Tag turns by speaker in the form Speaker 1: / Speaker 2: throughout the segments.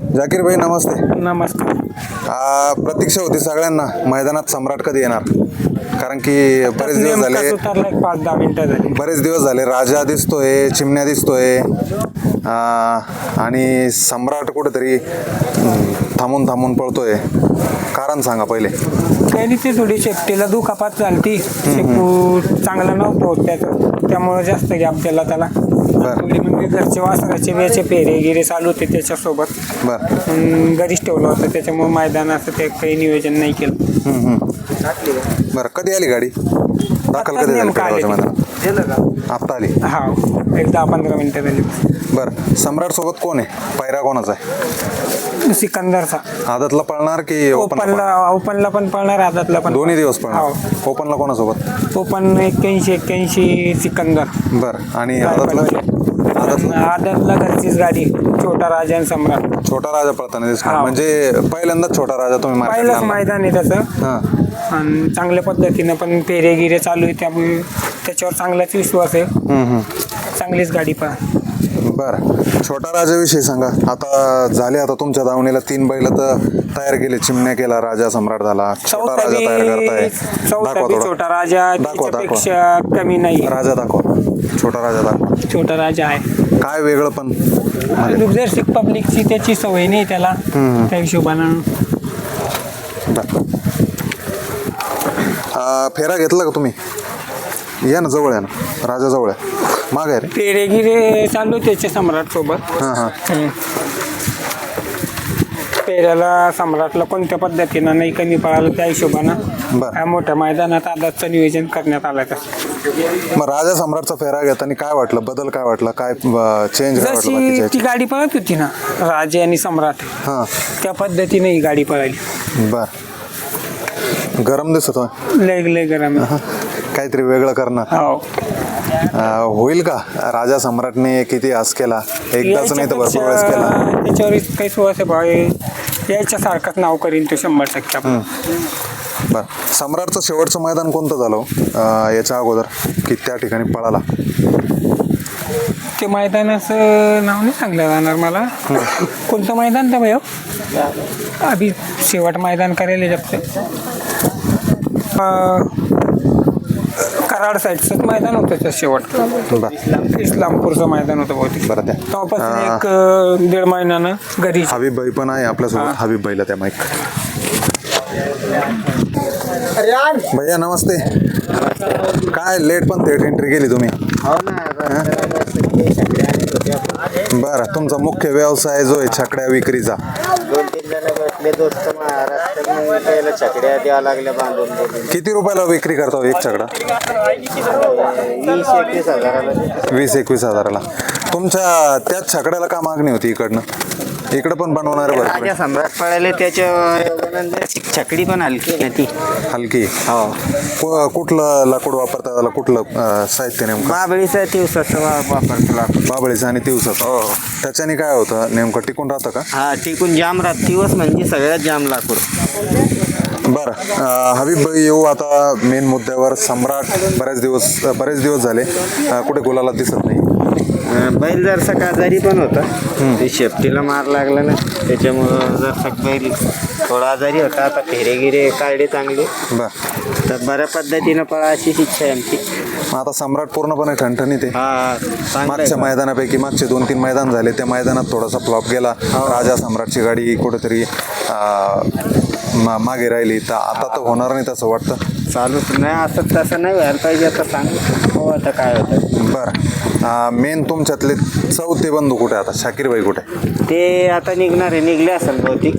Speaker 1: जाकीर भाई नमस्ते.
Speaker 2: नमस्कार.
Speaker 1: प्रतीक्षा होती सगळ्यांना मैदानात सम्राट कधी येणार, कारण की बरेच दिवस झाले.
Speaker 2: 5-10 मिनिटं झाली.
Speaker 1: बरेच दिवस झाले. राजा दिसतोय, चिमण्या दिसतोय आणि सम्राट कुठेतरी थांबून थांबून पळतोय. कारण सांगा पहिले.
Speaker 2: त्यांनी ती थोडी शेपटीला दुखापत झाली. शेपू चांगला नव्हतं त्याचं, त्यामुळे जास्त गॅप दिला त्याला. थोडी म्हणजे घरचे वासराचे वेळचे फेरे गिरे चालू होते त्याच्यासोबत. घरीच ठेवलं होतं, त्याच्यामुळे मैदानाचं ते काही नियोजन नाही केलं.
Speaker 1: बरं, कधी आली गाडी? दाखल कधी झाली मैदानात? आत्ता आली.
Speaker 2: हा, एक 10-15 मिनिटं झाली.
Speaker 1: बरं, सम्राट सोबत कोण आहे? पायरा कोणाचा आहे?
Speaker 2: सिकंदरचा.
Speaker 1: आदतला पळणार की
Speaker 2: ओपनला पण पळणार, आदतला पण.
Speaker 1: दोन्ही दिवस पळणार. ओपनला कोणासोबत?
Speaker 2: ओपन 81 सिकंदर.
Speaker 1: बरं, आणि आदतला
Speaker 2: घरचीच गाडी, छोटा राजा आणि सम्राट.
Speaker 1: छोटा राजा पळताना दिसणार, म्हणजे पहिल्यांदा छोटा राजा तुम्ही
Speaker 2: पहिलंच मैदान आहे त्याचं. आणि चांगल्या पद्धतीनं पण फेरे गिरे चालू आहे, त्यामुळे त्याच्यावर चांगलाच विश्वास आहे. चांगलीच गाडी पहा.
Speaker 1: बरं, छोटा राजाविषयी सांगा. आता तुमच्या दावणीला 3 बैल तर तयार केले. चिमण्या केला, राजा सम्राट झाला, छोटा राजा तयार करताय.
Speaker 2: छोटा राजा त्याच्यापेक्षा कमी नाही.
Speaker 1: राजा दाखवा, छोटा राजा दाखवा.
Speaker 2: छोटा राजा आहे
Speaker 1: काय वेगळं पण
Speaker 2: दुर्दर्शक पब्लिकची त्याची सवय नाही त्याला, त्या हिशोबानं.
Speaker 1: फेरा घेतला का तुम्ही? या ना, जवळ आहे ना, राजा जवळ आहे. माग आहे रे.
Speaker 2: फेरे गिरे चालू त्याच्या सम्राट सोबत. फेऱ्याला सम्राटला कोणत्या पद्धतीनं नाही कमी पडालं, त्या हिशोबानं मोठ्या मैदानात आदाचं नियोजन करण्यात आलं.
Speaker 1: मग राजा सम्राटचा फेरा घेताना काय वाटलं? बदल काय वाटला? काय चेंज काय वाटलं?
Speaker 2: ती गाडी पळत होती ना, राजा आणि सम्राट, त्या पद्धतीने ही गाडी पळाली.
Speaker 1: बर, गरम दिसत
Speaker 2: लय गरम.
Speaker 1: काहीतरी वेगळं करणार. होईल का? राजा सम्राटने किती आस केला, एकदाच नाही तर भरपूर वेळेस केला.
Speaker 2: त्याच्यावर काही सुवास याच्यासारखंच नाव करीन तो 100%.
Speaker 1: बर, सम्राटचं शेवटचं मैदान कोणतं झालं याच्या अगोदर की त्या ठिकाणी पळाला?
Speaker 2: ते मैदानाचं नाव नाही सांगलं जाणार मला. कोणतं मैदान तर भाई अभि शेवट मैदान करायला जपते. कराड साईडचंच मैदान होतं त्या शेवट. इस्लामपूरचं मैदान होतं बहुतेक.
Speaker 1: बरं, त्या
Speaker 2: तेव्हापासून 1-1.5 महिन्यानं घरी.
Speaker 1: हबीब भाई पण आहे आपल्यासोबत. हबीब भाईला त्या माईक. भैया नमस्ते. काय लेट पण थेट एंट्री केली तुम्ही? बरं, तुमचा मुख्य व्यवसाय जो आहे छकड्या विक्रीचा.
Speaker 3: 2-3 जण भेटले दोस्त महाराष्ट्रात, छकड्या द्यावं लागल्या बांधून.
Speaker 1: किती रुपयाला विक्री करता एक छकडा?
Speaker 3: 20-21 हजाराला.
Speaker 1: 20-21 हजाराला. तुमच्या त्याच छकड्याला का मागणी होती इकडनं? इकडं पण बनवणार आहे
Speaker 3: राजा सम्राट पळाले, त्याच्या छकडी पण हलकी ना ती.
Speaker 1: हलकी. हो. कुठलं लाकूड वापरता त्याला? कुठलं साहित्य नेमकं?
Speaker 3: बाबळीचा दिवसाचा वापरतो लाकूड.
Speaker 1: बाबळीचं आणि दिवसाचं. हो. त्याच्याने काय होतं नेमकं? टिकून राहतं का?
Speaker 3: हा, टिकून जाम राहत. दिवस म्हणजे सगळ्यात जाम लाकूड.
Speaker 1: बरं, हबीब भाई येऊ आता मेन मुद्द्यावर. सम्राट बरेच दिवस झाले कुठे गुलाला दिसत नाही.
Speaker 3: बैल जरसा आजारी पण होता, ते शेपटीला मार लागला ना, त्याच्यामुळं जरसा बैल थोडा आजारी होता. आता फेरे गिरे काढले चांगले. तर बऱ्या पद्धतीनं पळा अशीच इच्छा आहे आमची.
Speaker 1: आता सम्राट पूर्णपणे ठणठणीत आहे. मागच्या मैदानापैकी मागचे 2-3 मैदान झाले, त्या मैदानात थोडासा फ्लॉप गेला. राजा सम्राटची गाडी कुठेतरी मागे राहिली. तर आता तर होणार नाही तसं वाटतं.
Speaker 3: चालूच नाही, असं तसं नाही व्हायला पाहिजे. आता सांग हो आता काय होतं.
Speaker 1: बरं, मेन तुमच्यातले चौथे बंधू कुठे? आता शाकीर भाई कुठे?
Speaker 3: ते आता निघले असेल बहुतेक.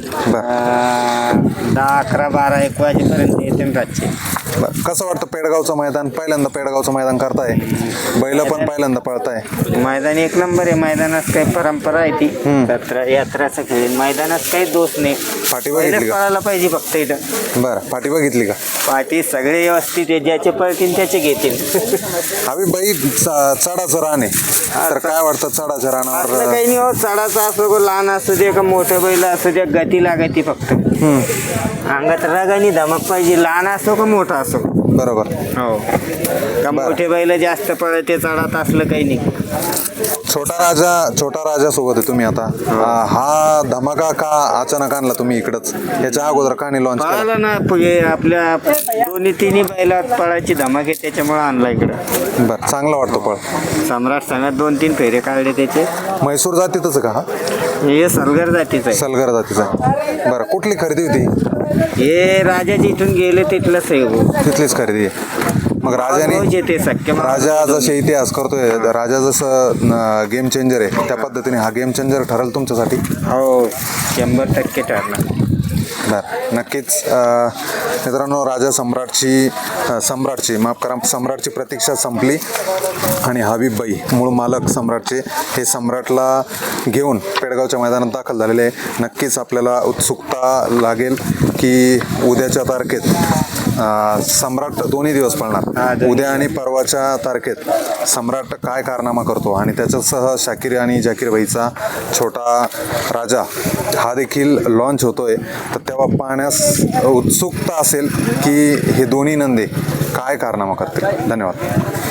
Speaker 3: 10, 11, 12, 1 वाजेपर्यंत येते रातचे.
Speaker 1: कसं वाटतं पेडगावचं मैदान? पहिल्यांदा पेडगावचं मैदान करताय, बैल पण पहिल्यांदा पळताय.
Speaker 3: मैदान 1 नंबर आहे. मैदानात काही परंपरा आहे ती यात्राचं खेळ. मैदानात काही दोष नाही.
Speaker 1: पाठी बघितली का?
Speaker 3: पळायला पाहिजे फक्त इथं.
Speaker 1: बरं, पाठी बघितली का?
Speaker 3: पाठी सगळे व्यवस्थित आहे, ज्याचे पळतील त्याचे घेतील.
Speaker 1: हवी बाई चढाचं रान आहे, तर काय वाटतं चढाच्या रानावर?
Speaker 3: काही नाही हो, चढाचा असो लहान असू दे का मोठं बैल असू दे, गती लागायची फक्त. अंगात रगानी धमक पाहिजे, लहान असो का मोठा असो.
Speaker 1: बरोबर.
Speaker 3: हो का मोठे बैल जास्त पळते चढात असलं काही नाही.
Speaker 1: छोटा राजा सोबत आहे तुम्ही आता. हा धमक धमाका का अचानक आणला तुम्ही इकडंच? याच्या अगोदर का नाही लॉन्च केला?
Speaker 3: पळाला ना आपल्या दोन्ही तिन्ही बैलात पळायची धमाक आहे त्याच्यामुळे आणला इकडं.
Speaker 1: बरं, चांगला वाटतो पळ.
Speaker 3: सम्राट संघात 2-3 फेरे काढले त्याचे.
Speaker 1: म्हैसूर जातीतच का हा?
Speaker 3: हे सलगर जातीचं आहे.
Speaker 1: सलगर जातीचा. बरं, कुठली खरेदी होती?
Speaker 3: हे राजाची इथून गेले तिथलंच आहे हो.
Speaker 1: तिथलीच खरेदी आहे. मग राजाने
Speaker 3: ते सख्य
Speaker 1: राजा जसे इतिहास करतोय, राजा जसं गेम चेंजर आहे त्या पद्धतीने हा गेम चेंजर ठरेल तुमच्यासाठी?
Speaker 3: हो 100% ठरणार.
Speaker 1: बरं, नक्कीच मित्रांनो, राजा सम्राटची प्रतीक्षा संपली आणि हबीबबाई मूळ मालक सम्राटचे हे सम्राटला घेऊन पेडगावच्या मैदानात दाखल झालेले आहे. नक्कीच आपल्याला उत्सुकता लागेल की उद्याच्या तारखेत सम्राट दोन्ही दिवस पळणार. उद्या आणि परवाच्या तारखेत सम्राट काय कारनामा करतो आणि त्याच्यासह शाकीर आणि जाकीर भाईचा छोटा राजा हा देखील लॉन्च होतोय. तर तेव्हा पाहण्यास उत्सुकता असेल की हे दोन्ही नंदी काय कारनामा करतील. धन्यवाद.